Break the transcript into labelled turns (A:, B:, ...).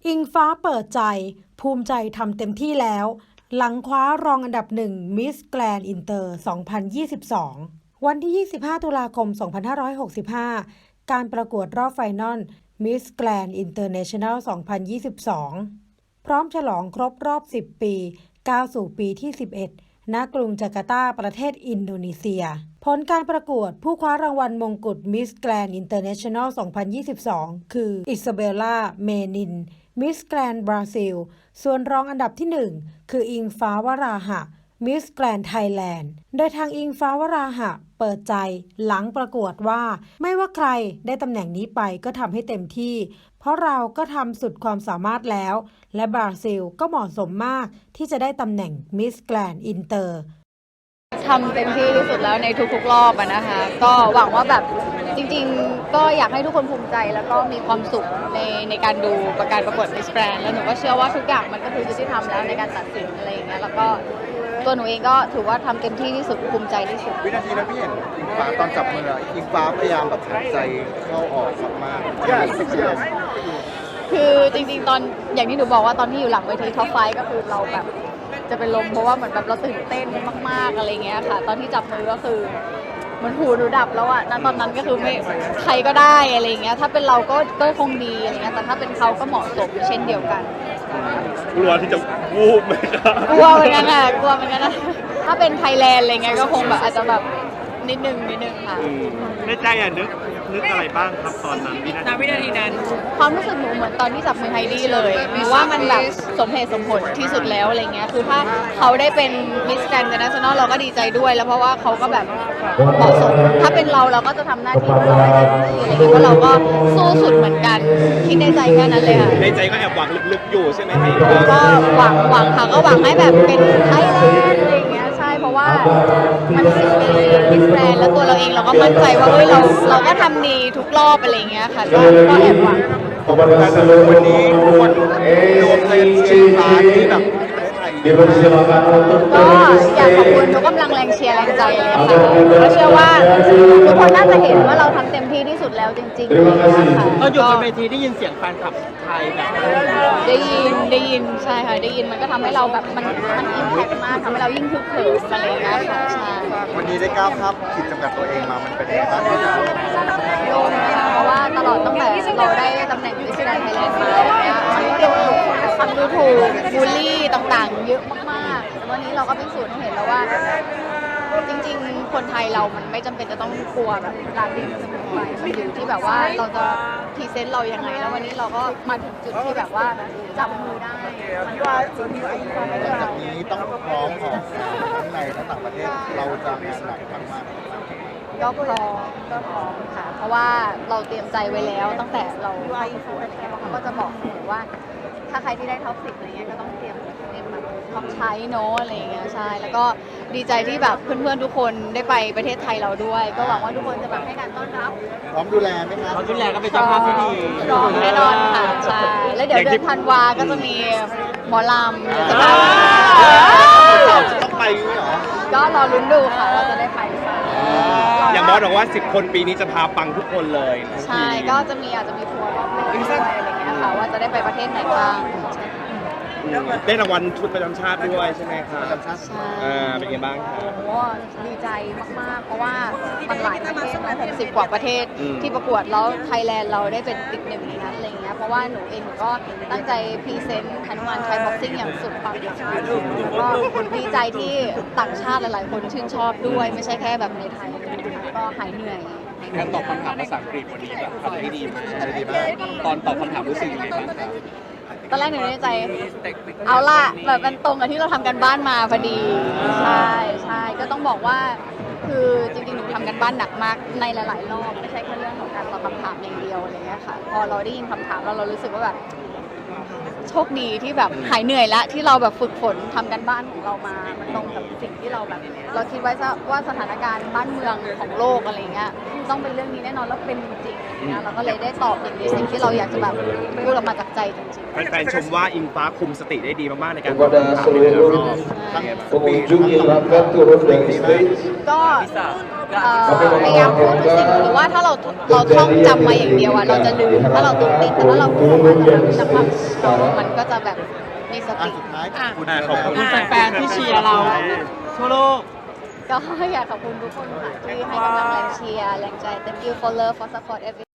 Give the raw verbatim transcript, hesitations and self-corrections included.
A: อิงฟ้าเปิดใจภูมิใจทำเต็มที่แล้วหลังคว้ารองอันดับหนึ่งมิสแกรนด์อินเตอร์สองพันยี่สิบสองวันที่ยี่สิบห้าตุลาคมสองพันห้าร้อยหกสิบห้าการประกวดรอบไฟนอลมิสแกรนด์อินเตอร์เนชั่นแนลสองพันยี่สิบสองพร้อมฉลองครบรอบสิบปีก้าวสู่ปีที่สิบเอ็ดณกรุงจาการ์ตาประเทศอินโดนีเซียผลการประกวดผู้คว้ารางวัลมงกุฎมิสแกรนด์อินเตอร์เนชั่นแนลสองพันยี่สิบสองคืออิซาเบลล่าเมนินมิสแกรนด์บราซิลส่วนรองอันดับที่หนึ่งคืออิงฟ้าวราหะมิสแกรนด์ไทยแลนด์โดยทางอิงฟ้าวราหะเปิดใจหลังประกวดว่าไม่ว่าใครได้ตำแหน่งนี้ไปก็ทำให้เต็มที่เพราะเราก็ทำสุดความสามารถแล้วและบราซิลก็เหมาะสมมากที่จะได้ตำแหน่งมิสแกรนด์อินเตอร์
B: ทำเต็มที่ที่สุดแล้วในทุกๆรอบอะนะคะก็หวังว่าแบบจริงๆก็อยากให้ทุกคนภูมิใจแล้วก็มีความสุขในในการดูประการประกวด Miss Grand แล้วหนูก็เชื่อว่าทุกอย่างมันก็คือยุติธรรมแล้วในการตัดสินอะไรอย่างเงี้ยแล้วก็ตัวหนูเองก็ถือว่าทำเต็มที่ที่สุดภูมิใจที่สุด
C: วินาทีนั้นพี่เห็นอิงฟ้าตอนจับมืออิงฟ้าพยายามแบบหายใจเข้าออกมากๆ
B: คือจริงๆตอนอย่างที่หนูบอกว่าตอนที่อยู่หลังเวทีท็อปไฟว์ก็คือเราแบบจะเป็นลมเพราะว่าเหมือนแบบเราตื่นเต้นมากๆอะไรเงี้ยค่ะตอนที่จับมือก็คือเหมือนหูหนูดับแล้วอะณตอนนั้นก็คือไม่ใครก็ได้อะไรเงี้ยถ้าเป็นเราก็ก็คงดีอะไรเงี้ยแต่ถ้าเป็นเขาก็เหมาะสมเช่นเดียวกัน
D: กลัวที่จะวูบไหมครับ
B: กลัวเหมือนกันค่ะกลัวเหมือนกันนะถ้าเป็นไทยแลนด์อะไรเงี้ยก็คงแบบอาจจะแบบนิดนึงนิดนึงค่ะ
D: ในใจอะนึกนึกอะไรบ้างครับตอนนั้นวินาทีนั้น
B: ความรู้สึกหนูเหมือนตอนที่จับมือไฮดี้เลยหนูว่ามันแบบสมเหตุสมผลที่สุดแล้วอะไรเงี้ยคือถ้าเขาได้เป็นมิสแกรนด์อินเตอร์เนชั่นแนลเราก็ดีใจด้วยแล้วเพราะว่าเขาก็แบบเหมาะสมถ้าเป็นเราเราก็จะทำหน้าที่ของเราให้เต็มที่อะไรเงี้ยเพราะเราก็สู้สุดเหมือนกันคิดในใจแค่นั้นเลยค่ะ
D: ในใจก็แอบหวังลึกๆอยู่ใช่ไหมพี่
B: ก็หวังหวังค่ะก็หวังให้แบบเป็นไทยแลนด์อะไรเงี้ยใช่เพราะว่ามันสิบปีมิสแกรนด์แล้วตัวเราเองเราก็มั่นใจว่าเฮ้ยเราเราก็ทำดีทุกรอบอะไรเงี้ยค่ะก็ก็แอบหวัง
C: วันนี้คนรวมใจเชียร์ฟ้าที่แบบที่ประเทศไทย
B: ก็อยากขอบคุณทุกกำลังแรงเชียร์แรงใจเลยค่ะก็เชื่อว่าทุกคนน่าจะเห็นว่าเราทำเต็มที่ที่สุดแล้วจริงๆเลยค่ะ
D: ตอนอยู่บนเวทีได้ยินเสียงแฟนคลับไทยแบบ
B: ได้ยินได้ยินใช่ค่ะได้ยินมันก็ทำให้เราแบบมันมันอิมแพคมากทำให้เรายิ่งคึกเขิมอะไรอย่างเงี้ยค่ะใช่
C: วันนี้ได้ก้าวข้ามขีดจำกัดตัวเองมามันเป็นยังไงบ้างที่จะ
B: โดนเพราะว่าตลอดตั้งแต่เราได้ตำแหน่งมิสแกรนด์ไทยแลนด์มาเนี่ยมันก็โดนคำดูถูกบูลลี่ต่างๆเยอะมากๆแต่วันนี้เราก็พิสูจน์ให้เห็นแล้วว่าจริงๆคนไทยเรามันไม่จำเป็นจะต้องกลัวแบบการดิ้นเสมอไปมันอยู่ที่แบบว่าเราจะพรีเซนต์เรายังไงแล้ววันนี้เราก็มาถึงจุดที่แบบว่าจับมือได้มันว่าจริงๆ
C: จากนี้ต้องพร้อมออกทั้งในและต่างประเทศเราจะมีหนักมากๆ
B: ก็พร้อมก็พร้อมค่ะเพราะว่าเราเตรียมใจไว้แล้วตั้งแต่เราเข้าประกวดอะไรเงี้ยเขาก็จะบอกเสมอว่าถ้าใครที่ได้ท็อปสิบอะไรเงี้ยก็ต้องเตรียมเตรียมแบบท็อปใช้เนาะอะไรเงี้ยใช่แล้วก็ดีใจที่แบบเพื่อนๆทุกคนได้ไปประเทศไทยเราด้วยก็หวังว่าทุกคนจะแบบให้การต้อนรับ
C: พร้อมดูแลไหมคะ
D: พร้อมดูแลก็เป็นเจ้าภาพที่ดี
B: พร้อมแน่นอนค่ะใช่แล้วเดี๋ยวเดือนธันวาก็จะมีหมอลำจะมา
C: ต้องไปเหรอ
B: ก็รอลุ้นดูค่ะว่าจะได้ไปหรือเปล่า
D: อย่างบอสบอกว่าสิบคนปีนี้จะพาปังทุกคนเลย
B: ใช่ก็จะมีอาจจะมีทัวร์รอบโลกด้วยอะไรเงี้ยค่ะว่าจะได้ไปประเทศไหนบ้าง
D: ได้รางวัลชุดประจำชาติด้วยใช่ไหมครับ
C: ประจำชาติ
B: ใช่
D: เป็นไงบ้างครับ
B: โอ้ดีใจมากๆเพราะว่ามันหลายประเทศหกสิบกว่าประเทศที่ประกวดแล้วไทยแลนด์เราได้เป็นติดหนึ่งในนั้นอะไรเงี้ยเพราะว่าหนูเองหนูก็ตั้งใจพรีเซนต์ฮนุมานไทยบ็อกซิ่งอย่างสุดความสามารถแล้วก็ดีใจที่ต่างชาติหลายๆคนชื่นชอบด้วยไม่ใช่แค่แบบในไทยก็หายเหนื่อย
D: การตอบคำถามภาษาอังกฤษวันนี้แบบทำได้ดีมากตอนตอบคำถามรู้สึกยังไงบ้างครับ
B: ตอนแรกหนูในใจเอาล่ะแบบมันตรงกับที่เราทำกันบ้านมาพอดีใช่ใช่ก็ต้องบอกว่าคือจริงๆหนูทำกันบ้านหนักมากในหลายๆรอบไม่ใช่แค่เรื่องของการตอบคำถามอย่างเดียวอะไรเงี้ยค่ะพอเราได้ยินคำถามแล้วเรารู้สึกว่าแบบโชคดีที่แบบหายเหนื่อยแล้วที่เราแบบฝึกฝนทำกันบ้านของเรามามันตรงกับสิ่งที่เราแบบเราคิดไว้ว่าสถานการณ์บ้านเมืองของโลกอะไรเงี้ยต้องเป็นเรื่องนี้แน่นอนแล้วเป็นจริงๆนะเราก็เลยได้ตอบในสิ่งที่เราอยากจะแบบพูดออกมาจากใจจริง
D: ๆแฟนๆชมว่าอิงฟ้าคุมสติได้ดีมากๆในการตอบคำถามในแต่ละรอบ
C: ทั้งปีทั้งต่อปีดีมาก
B: ก็เอ่อพยายามพูดทุกสิ่งหรือว่าถ้าเราเราท่องจำมาอย่างเดียวอะเราจะลืมถ้าเราต้องติดแต่ถ้าเราพูดออกมาแต่เราจำมันมันก็จะแบบมีส
C: อ่ะ
B: ติ
C: สุดท้ายขอบคุณ
D: อ่ะขอบคุณ
E: แฟนๆที่เชียร์เราทั่วโลก
B: ก็อยากขอบคุณทุกคนค่ะที่ให้กำลังแรงเชียร์แรงใจ thank you for love for support every